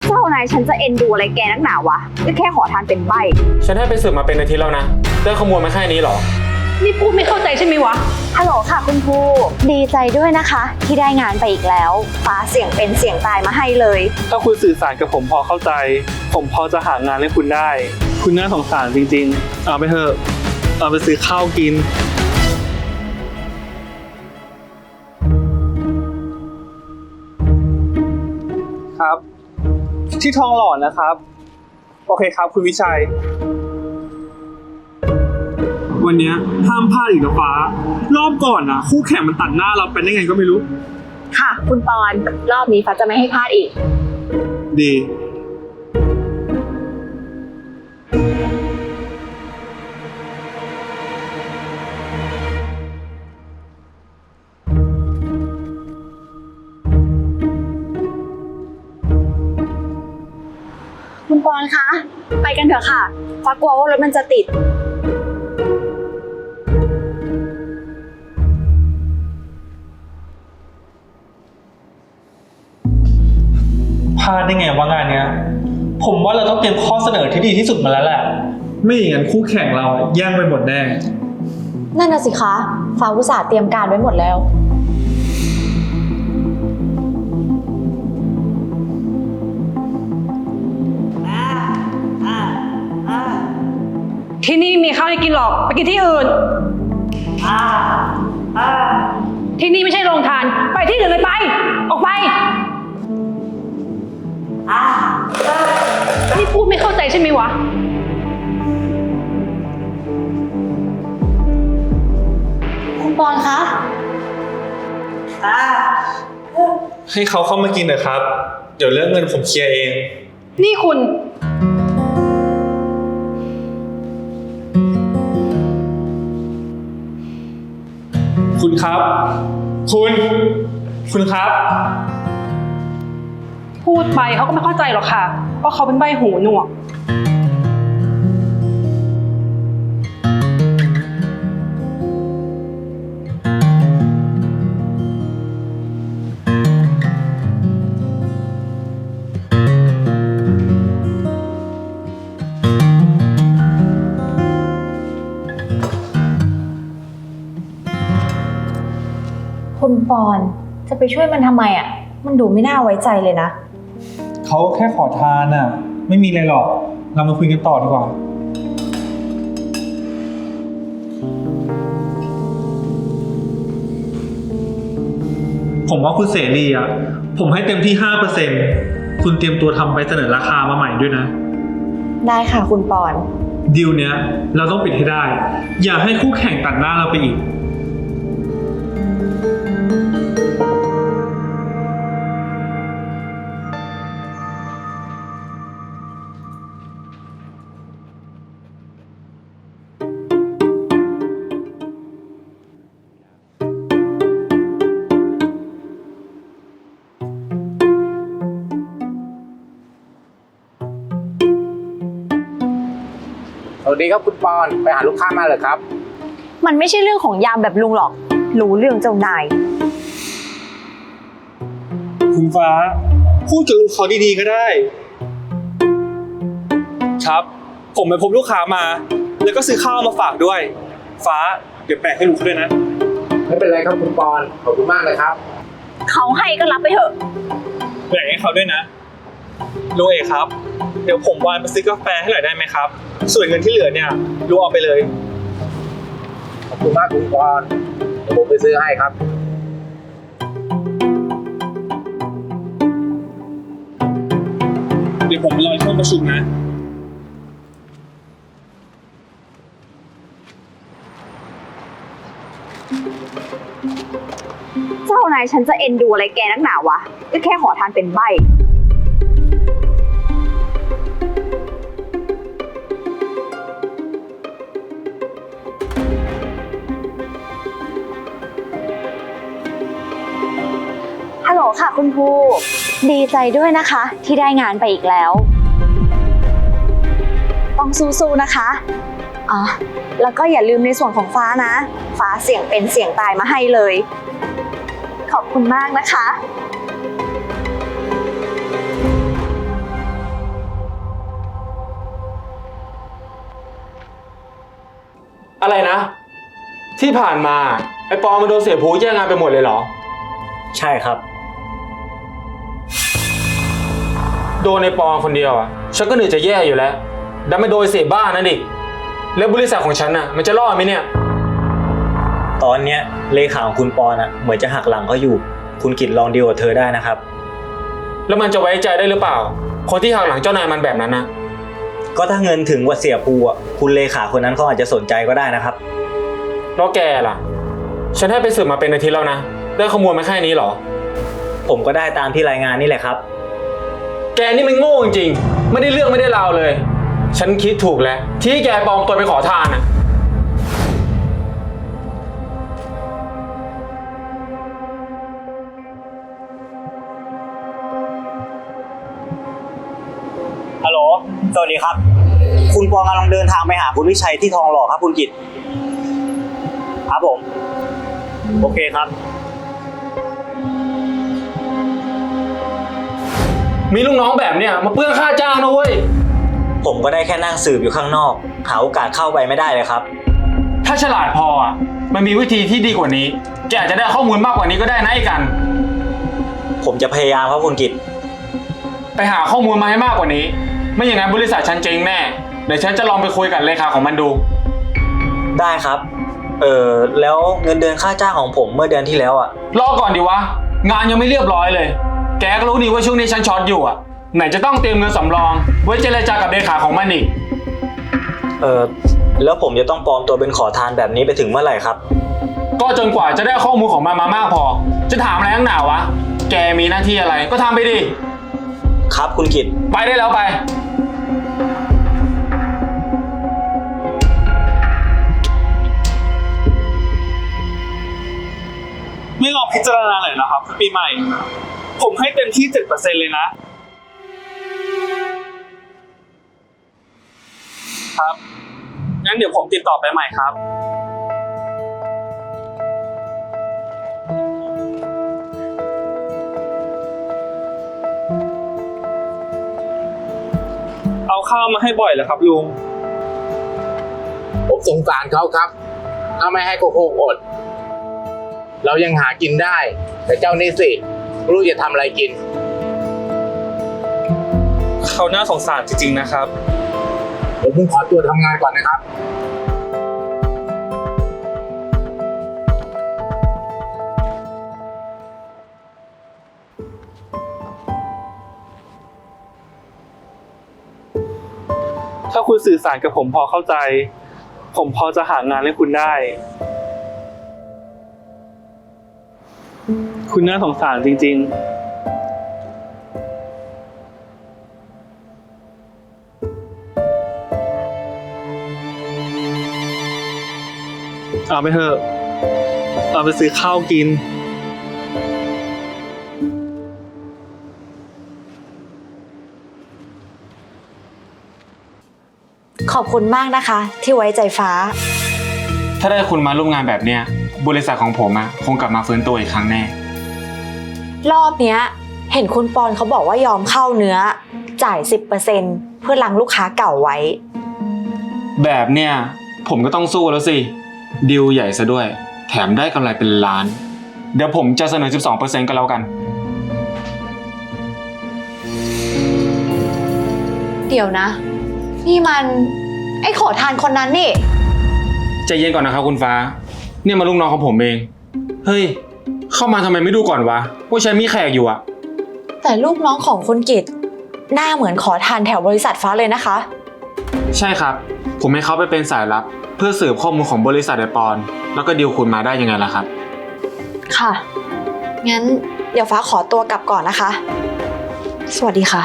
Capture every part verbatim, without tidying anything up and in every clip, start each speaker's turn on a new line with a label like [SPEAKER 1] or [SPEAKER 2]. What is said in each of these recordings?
[SPEAKER 1] เจ้านายฉันจะเอ็นดูอะไรแกนักหนาวะก็แค่ขอทานเป็นใบ
[SPEAKER 2] ฉันให้ไปสืบมาเป็นอาทิตย์แล้วนะเรื่องขโมยมาแค่นี้หรอ
[SPEAKER 3] นี่พูดไม่เข้าใจใช่ไหมวะ
[SPEAKER 1] ฮัลโหลค่ะคุณครูดีใจด้วยนะคะที่ได้งานไปอีกแล้วฟ้าเสียงเป็นเสียงตายมาให้เลย
[SPEAKER 4] ถ้าคุณสื่อสารกับผมพอเข้าใจผมพอจะหางานให้คุณได้คุณน่าสงสารจริงๆเอาไปเถอะเอาไปซื้อข้าวกินครับที่ทองหล่อนะครับโอเคครับคุณวิชัยวันนี้ห้ามพลาดอีกนะฟ้ารอบก่อนนะคู่แข่งมันตัดหน้าเราเป็นได้ไงก็ไม่รู้
[SPEAKER 1] ค่ะคุณปอนรอบนี้ฟ้าจะไม่ให้พลาดอีก
[SPEAKER 4] ดี
[SPEAKER 1] คุณปอนคะไปกันเถอะค่ะฟ้ากลัวว่ารถมันจะติด
[SPEAKER 4] พลาดได้ไงว่างานเนี้ยผมว่าเราต้องเตรียมข้อเสนอที่ดีที่สุดมาแล้วแหละไม่อย่างนั้นคู่แข่งเราแย่งไปหมดแน่
[SPEAKER 1] นั่นน่ะสิคะฟ้าอุตส่าห์เตรียมการไว้หมดแล้ว
[SPEAKER 3] ที่นี่มีข้าวให้กินหรอกไปกินที่อื่นที่นี่ไม่ใช่โรงทานไปที่อื่นเลยไปออกไปนี่พูดไม่เข้าใจใช่ไหมวะ
[SPEAKER 1] คุณปอนคะ
[SPEAKER 4] ให้เขาเข้ามากินเถอะครับเดี๋ยวเรื่องเงินผมเคลียร์เอง
[SPEAKER 3] นี่คุณ
[SPEAKER 4] คุณครับคุณคุณครับ
[SPEAKER 3] พูดไปเขาก็ไม่เข้าใจหรอกค่ะเพราะเขาเป็นใบหูหนวก
[SPEAKER 1] คุณปอนจะไปช่วยมันทำไมอ่ะมันดูไม่น่าไว้ใจเลยนะ
[SPEAKER 4] เขาแค่ขอทานน่ะไม่มีอะไรหรอกเรามาคุยกันต่อดีกว่าผมว่าคุณเสรีอ่ะผมให้เต็มที่ ห้าเปอร์เซ็นต์ คุณเตรียมตัวทำไปเสนอราคามาใหม่ด้วยนะ
[SPEAKER 1] ได้ค่ะคุณปอน
[SPEAKER 4] ดีลเนี้ยเราต้องปิดให้ได้อย่าให้คู่แข่งตัดหน้าเราไปอีก
[SPEAKER 5] สวัสดีครับคุณปอนไปหาลูกค้ามาเลยครับ
[SPEAKER 1] มันไม่ใช่เรื่องของยามแบบลุงหรอกรู้เรื่องเจ้านาย
[SPEAKER 4] คุณฟ้าพูดกับลูกเขาดีๆก็ได้ครับผมไปพบลูกค้ามาแล้วก็ซื้อข้าวมาฝากด้วยฟ้าเดี๋ยวแปะให้ลูกเขาด้วยนะ
[SPEAKER 5] ไม่เป็นไรครับคุณปอนขอบคุณมากเลยครับ
[SPEAKER 1] เขาให้ก็รับไปเถอะ
[SPEAKER 4] แบ่งให้เขาด้วยนะลุงเอกครับเดี๋ยวผมวานไปซื้อกาแฟให้หน่อยได้ไหมครับส่วนเงินที่เหลือเนี่ยลุงเอาไปเลย
[SPEAKER 5] ขอบคุณมากคุณปอนเดี๋ยวผมไปซื้อให้ครับ
[SPEAKER 4] เดี๋ยวผมรอช่วงประชุมนะ
[SPEAKER 1] เจ้านายฉันจะเอ็นดูอะไรแกนักหนาวะก็แค่ขอทานเป็นใบฮัลโหลค่ะคุณครูดีใจด้วยนะคะที่ได้งานไปอีกแล้วต้องสู้ๆนะคะอ๋อแล้วก็อย่าลืมในส่วนของฟ้านะฟ้าเสียงเป็นเสียงตายมาให้เลยขอบคุณมากนะคะ
[SPEAKER 2] อะไรนะ ที่ผ่านมาไอ้ปอมันโดนเสียผูแย่งงานไปหมดเลยเหรอ
[SPEAKER 6] ใช่ครับ
[SPEAKER 2] โดนในปอคนเดียวอ่ะฉันก็เหนื่อยจะแย่อยู่แล้วดันไม่โดนเสียบ้านนั่นดิแล้วบริษัทของฉันน่ะมันจะรอดไหมเนี่ย
[SPEAKER 6] ตอนเนี้ยเลขาของคุณปอนอ่ะเหมือนจะหักหลังเขาอยู่ คุณกิตลองดีลกับเธอได้นะครับ
[SPEAKER 2] แล้วมันจะไว้ใจได้หรือเปล่า คนที่หักหลังเจ้านายมันแบบนั้นนะ
[SPEAKER 6] ก็ถ้าเงินถึงกว่าเสียภูอ่ะคุณเลขาคนนั้นเขาอาจจะสนใจก็ได้นะครับ
[SPEAKER 2] แล้วแกล่ะ ฉันให้ไปสืบมาเป็นอาทิตย์แล้วนะได้ข้อมูลมาแค่นี้เหรอ
[SPEAKER 6] ผมก็ได้ตามที่รายงานนี่แหละครับ
[SPEAKER 2] แกนี่มันโง่จริงๆไม่ได้เรื่องไม่ได้ราวเลย ฉันคิดถูกแล้วที่แกปลอมตัวไปขอทานอ่ะ
[SPEAKER 6] ฮัลโหล สวัสดีครับ คุณปองกำลังเดินทางไปหาคุณวิชัยที่ทองหล่อครับคุณกิตครับผม โอเคครับ
[SPEAKER 2] มีลูกน้องแบบเนี้ยมาเปลื้องค่าจ้างนะเว้ย
[SPEAKER 6] ผมก็ได้แค่นั่งสืบอยู่ข้างนอก หาโอกาสเข้าไปไม่ได้เลยครับ
[SPEAKER 2] ถ้าฉลาดพออ่ะมันมีวิธีที่ดีกว่านี้แกอาจจะได้ข้อมูลมากกว่านี้ก็ได้นะไอ้กัน
[SPEAKER 6] ผมจะพยายามครับคุณกิต
[SPEAKER 2] ไปหาข้อมูลมาให้มากกว่านี้ ไม่อย่างนั้นบริษัทฉันเจ๊งแน่เดี๋ยวฉันจะลองไปคุยกับเลขาของมันดู
[SPEAKER 6] ได้ครับ เออแล้วเงินเดือนค่าจ้างของผมเมื่อเดือนที่แล้วอ่ะ
[SPEAKER 2] รอก่อนดิวะงานยังไม่เรียบร้อยเลย แกก็รู้นี่ว่าช่วงนี้ฉันช็อตอยู่อ่ะไหนจะต้องเตรียมเงินสำรองไว้เจรจากับเลขาของมันอีก
[SPEAKER 6] เออแล้วผมจะต้องปลอมตัวเป็นขอทานแบบนี้ไปถึงเมื่อไหร่ครับ
[SPEAKER 2] ก็จนกว่าจะได้ข้อมูลของมันมามากพอ จะถามอะไรนักหนาวะแกมีหน้าที่อะไรก็ทำไปดิ
[SPEAKER 6] ครับคุณกิต
[SPEAKER 2] ไปได้แล้วไป
[SPEAKER 4] ไม่ลองพิจารณาหน่อยนะครับปีใหม่ ผมให้เต็มที่ เจ็ดเปอร์เซ็นต์ เลยนะ ครับ งั้นเดี๋ยวผมติดต่อไปใหม่ครับ เอาข้าวมาให้บ่อยเหรอครับลุง
[SPEAKER 5] ผมสงสารเขาครับถ้าไม่ให้โกโก้อด เรายังหากินได้ แต่เจ้านี่สิไม่รู้จะทำอะไรกิน
[SPEAKER 4] เขาน่าสงสารจริงๆนะครับ
[SPEAKER 5] ผมคงขอตัวทำงานก่อนนะครับ
[SPEAKER 4] ถ้าคุณสื่อสารกับผมพอเข้าใจ ผมพอจะหางานให้คุณได้ คุณน่าสงสารจริงๆ เอาไปเถอะ เอาไปซื้อข้าวกิน
[SPEAKER 1] ขอบคุณมากนะคะ ที่ไว้ใจฟ้า
[SPEAKER 2] ถ้าได้คุณมาร่วมงานแบบเนี้ยบริษัทของผมอะคงกลับมาฟื้นตัวอีกครั้งแน่
[SPEAKER 1] รอบเนี้ย เห็นคุณปอนเขาบอกว่ายอมเข้าเนื้อ จ่าย สิบเปอร์เซ็นต์ เพื่อลังลูกค้าเก่าไว้
[SPEAKER 2] แบบเนี้ยผมก็ต้องสู้แล้วสิดีลใหญ่ซะด้วย แถมได้กำไรเป็นล้าน เดี๋ยวผมจะเสนอ สิบสองเปอร์เซ็นต์ ก็แล้วกัน
[SPEAKER 1] เดี๋ยวนะ นี่มันไอ้ขอทานคนนั้นนี่
[SPEAKER 2] ใจเย็นก่อนนะครับคุณฟ้า เนี่ยมาลูกน้องของผมเอง เฮ้ย เข้ามาทำไมไม่ดูก่อนวะว่าฉันมีแขกอยู่อะ
[SPEAKER 1] แต่ลูกน้องของคุณกิตหน้าเหมือนขอทานแถวบริษัทฟ้าเลยนะคะ
[SPEAKER 2] ใช่ครับ ผมให้เขาไปเป็นสายลับ เพื่อสืบข้อมูลของบริษัทไอปอนแล้วก็ดีลคุณมาได้ยังไงล่ะครับ
[SPEAKER 1] ค่ะ งั้นเดี๋ยวฟ้าขอตัวกลับก่อนนะคะ สวัสดีค่ะ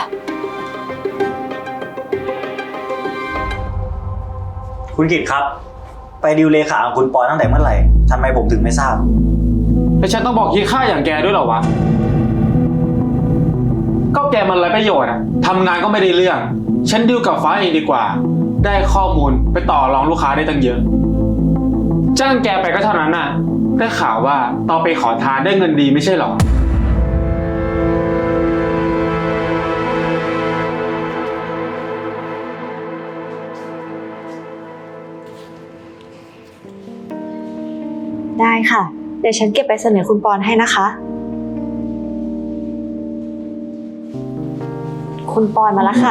[SPEAKER 6] คุณกิตครับ ไปดิวเลขาของคุณปอนตั้งแต่เมื่อไหร่ทำไมผมถึงไม่ทราบ
[SPEAKER 2] แล้วฉันต้องบอกคิดค่าอย่างแกด้วยเหรอวะ ก็แกมันไรประโยชน์อะทำงานก็ไม่ได้เรื่อง ฉันดีลกับฟ้าเองดีกว่า ได้ข้อมูลไปต่อรองลูกค้าได้ตั้งเยอะ จ้างแกไปก็เท่านั้นน่ะ ได้ข่าวว่าตอนไปขอทานได้เงินดีไม่ใช่หรอ
[SPEAKER 1] ได้ค่ะ เดี๋ยวฉันเก็บไปเสนอคุณปอนให้นะคะ คุณปอนมาแล้วค่ะ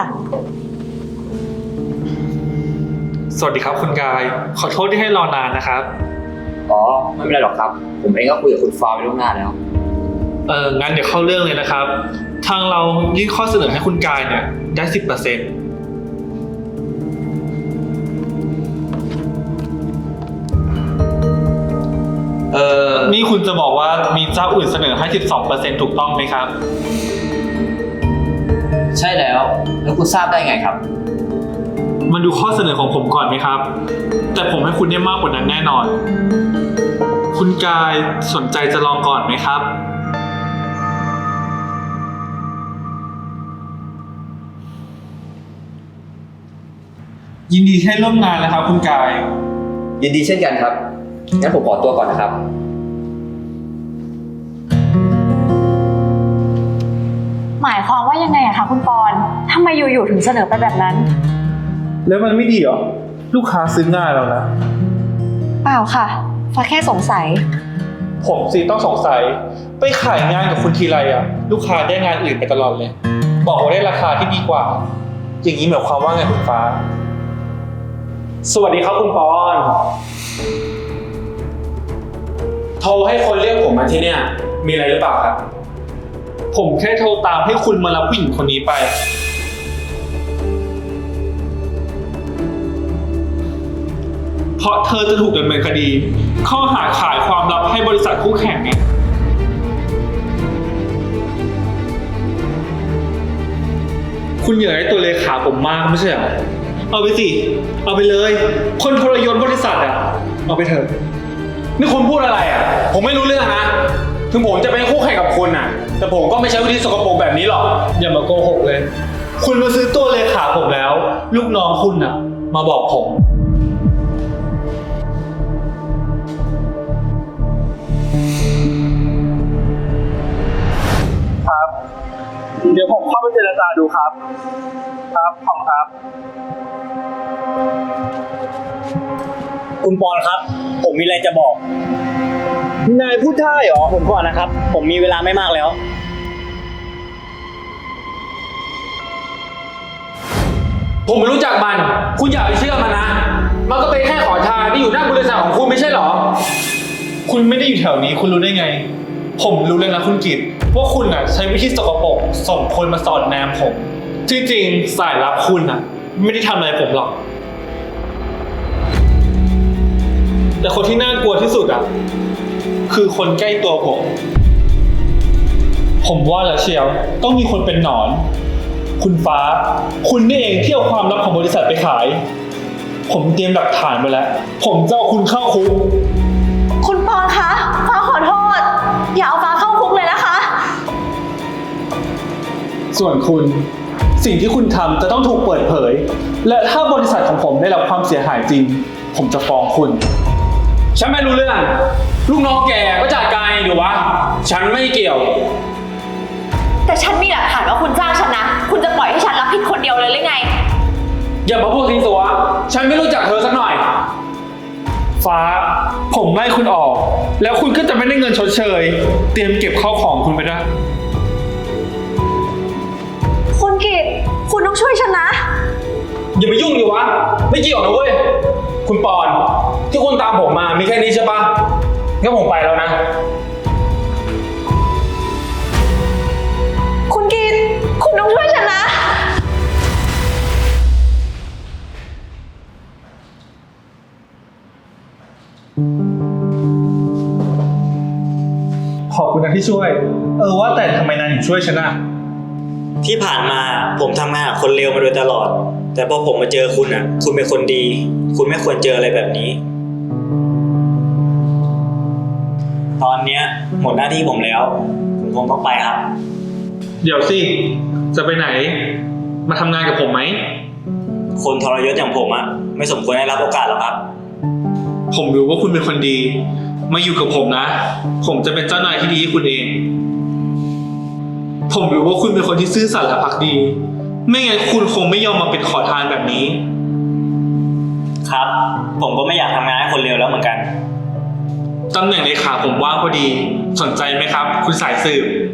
[SPEAKER 4] สวัสดีครับคุณกาย ขอโทษที่ให้รอนานนะครับ
[SPEAKER 7] อ๋อ ไม่เป็นไรหรอกครับ ผมเองก็คุยกับคุณฟ้าไปล่วงหน้าแล้ว
[SPEAKER 4] เอองั้นเดี๋ยวเข้าเรื่องเลยนะครับ ทางเรายื่นข้อเสนอให้คุณกายเนี่ยได้ สิบเปอร์เซ็นต์ เออนี่คุณจะบอกว่ามีเจ้าอื่นเสนอให้ สิบสองเปอร์เซ็นต์ ถูกต้องไหมครับ
[SPEAKER 7] ใช่แล้ว แล้วคุณทราบได้ไงครับ
[SPEAKER 4] มาดูข้อเสนอของผมก่อนไหมครับ แต่ผมให้คุณได้มากกว่านั้นแน่นอน คุณกายสนใจจะลองก่อนไหมครับ ยินดีให้ร่วมงานนะครับ คุณกาย
[SPEAKER 7] ยินดีเช่นกันครับ งั้นผมขอตัวก่อนนะครับ
[SPEAKER 1] หมายความว่ายังไงอะคะคุณปอนทำไมอยู่ๆถึงเสนอไปแบบนั้น
[SPEAKER 4] แล้วมันไม่ดีเหรอ ลูกค้าซื้อง่ายแล้วนะ
[SPEAKER 1] เปล่าค่ะ ฟ้าแค่สงสัย
[SPEAKER 4] ผมสิต้องสงสัย ไปขายงานกับคุณทีไรอะลูกค้าได้งานอื่นไปตลอดเลย บอกว่าได้ราคาที่ดีกว่า อย่างนี้หมายความว่าไงคุณฟ้า สวัสดีครับคุณปอน
[SPEAKER 2] โทรให้คนเรียกผมมาที่เนี่ย มีอะไรหรือเปล่าครับ
[SPEAKER 4] ผมแค่โทรตามให้คุณมารับผู้หญิงคนนี้ไป เพราะเธอจะถูกดำเนินคดี ข้อหาขายความลับให้บริษัทคู่แข่งไง คุณอยากได้ตัวเลขาผมมากไม่ใช่เหรอ เอาไปสิ เอาไปเลย คนทรยศบริษัทอ่ะ เอาไปเถอะ
[SPEAKER 2] นี่คุณพูดอะไรอ่ะ ผมไม่รู้เรื่องนะ ถึงผมจะเป็นคู่แข่งกับคุณอ่ะ แต่ผมก็ไม่ใช้วิธีสกปรกแบบนี้หรอก
[SPEAKER 4] อย่ามาโกหกเลย คุณมาซื้อตัวเลขาผมแล้ว ลูกน้องคุณน่ะ มาบอกผม ครับ เดี๋ยวผมเข้าไปเจรจาดูครับ ครับขอบคุณครับ
[SPEAKER 6] คุณปอนครับ ผมมีอะไรจะบอก
[SPEAKER 4] นายพูดได้เหรอ
[SPEAKER 6] ผมก่อนนะครับ ผมมีเวลาไม่มากแล้ว
[SPEAKER 2] ผมไม่รู้จักมัน คุณอย่าไปเชื่อมันนะ มันก็เป็นแค่ขอทานที่อยู่หน้าบริษัทของคุณไม่ใช่เหรอ
[SPEAKER 4] คุณไม่ได้อยู่แถวนี้ คุณรู้ได้ไง ผมรู้เลยนะคุณกิตว่าคุณน่ะใช้วิธีสกปรกส่งคนมาสอนแนมผม ที่จริงสายลับคุณน่ะ ไม่ได้ทำอะไรผมหรอก แต่คนที่น่ากลัวที่สุดอ่ะ คือคนใกล้ตัวผม ผมว่าแล้วเชียวต้องมีคนเป็นหนอน คุณฟ้า คุณนี่เองที่เอาความลับของบริษัทไปขาย ผมเตรียมหลักฐานไปแล้ว ผมจะเอาคุณเข้าคุก
[SPEAKER 1] คุณปอนคะ ฟ้าขอโทษ อย่าเอาฟ้าเข้าคุกเลยนะคะ
[SPEAKER 4] ส่วนคุณสิ่งที่คุณทำจะต้องถูกเปิดเผย และถ้าบริษัทของผมได้รับความเสียหายจริง ผมจะฟ้องคุณ
[SPEAKER 2] ฉันไม่รู้เรื่อง ลูกน้องแกก็จัดการเองดีวะ ฉันไม่เกี่ยว
[SPEAKER 1] แต่ฉันมีหลักฐานว่าคุณจ้างฉันนะ คุณจะปล่อยให้ฉันรับผิดคนเดียวเลยหรือไง
[SPEAKER 2] อย่ามาพูดซีซัวฉันไม่รู้จักเธอสักหน่อย
[SPEAKER 4] ฟ้า ผมไล่คุณออก แล้วคุณก็จะไม่ได้เงินชดเชย เตรียมเก็บข้าวของคุณไปด้วย
[SPEAKER 1] คุณกิตคุณต้องช่วยฉันนะ
[SPEAKER 2] อย่าไปยุ่งดิวะ ไม่เกี่ยวนะเว้ย คุณปอน ที่คุณตามผมมามีแค่นี้ใช่ปะงั้นผมไปแล้วนะ
[SPEAKER 1] คุณกิตคุณต้องช่วยฉันนะ
[SPEAKER 4] ขอบคุณนะที่ช่วย เออว่าแต่ทำไมนายถึงช่วยฉันอะ
[SPEAKER 6] ที่ผ่านมาผมทำงานกับคนเลวมาโดยตลอด แต่พอผมมาเจอคุณอ่ะ คุณเป็นคนดี คุณไม่ควรเจออะไรแบบนี้ ตอนเนี้ยหมดหน้าที่ผมแล้ว ผมคงต้องไปครับ
[SPEAKER 4] เดี๋ยวสิ จะไปไหน มาทำงานกับผมไหม
[SPEAKER 6] คนทรยศอย่างผมอ่ะ ไม่สมควรได้รับโอกาสหรอกครับ
[SPEAKER 4] ผมรู้ว่าคุณเป็นคนดี มาอยู่กับผมนะ ผมจะเป็นเจ้านายที่ดีให้คุณเอง ผมรู้ว่าคุณเป็นคนที่ซื่อสัตย์และภักดี ไม่งั้นคุณคงไม่ยอมมาเป็นขอทานแบบนี้
[SPEAKER 6] ครับ ผมก็ไม่อยากทำงานให้คนเลวแล้วเหมือนกัน
[SPEAKER 4] ตำแหน่งเลขาผมว่างพอดี สนใจไหมครับ คุณสายสืบ